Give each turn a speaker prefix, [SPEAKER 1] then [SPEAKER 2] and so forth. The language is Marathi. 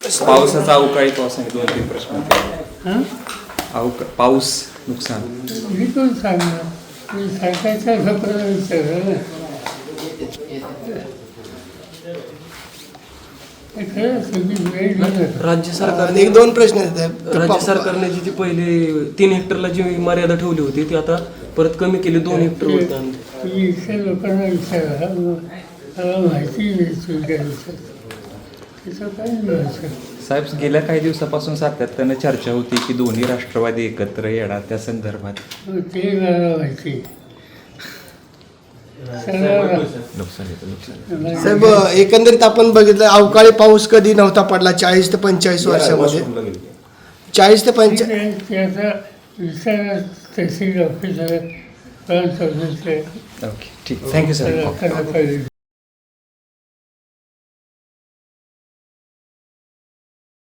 [SPEAKER 1] पावसाचा अवकाळी पावसाने 2-3 प्रश्न होते. पाऊस नुकसान
[SPEAKER 2] मी कोण सांगणार मी सरकारच्या लोकांना विचारलं ना. हे खरं सगळी वेळ गेलं.
[SPEAKER 3] राज्य सरकारने
[SPEAKER 4] एक दोन प्रश्न आहेत.
[SPEAKER 3] राज्य सरकारने जी ती पहिले 3 हेक्टरला जी मर्यादा ठेवली होती ती आता परत कमी केली 2 हेक्टर होती.
[SPEAKER 2] तुम्ही इथल्या लोकांना विचारा मला माहिती मिळते त्याचं काय मिळायचं.
[SPEAKER 1] साहेब, गेल्या काही दिवसापासून सातत्यानं चर्चा होती की दोन्ही राष्ट्रवादी एकत्र येणार, त्या संदर्भात
[SPEAKER 2] ते मला माहिती.
[SPEAKER 4] साहेब, एकंदरीत आपण बघितलं अवकाळी पाऊस कधी नव्हता पडला 40 ते 45 वर्षामध्ये. 40 ते 45
[SPEAKER 2] त्याचा विचार तहसील ऑफिसर
[SPEAKER 1] ओके, ठीक. Thank you sir.
[SPEAKER 2] पाहिजे.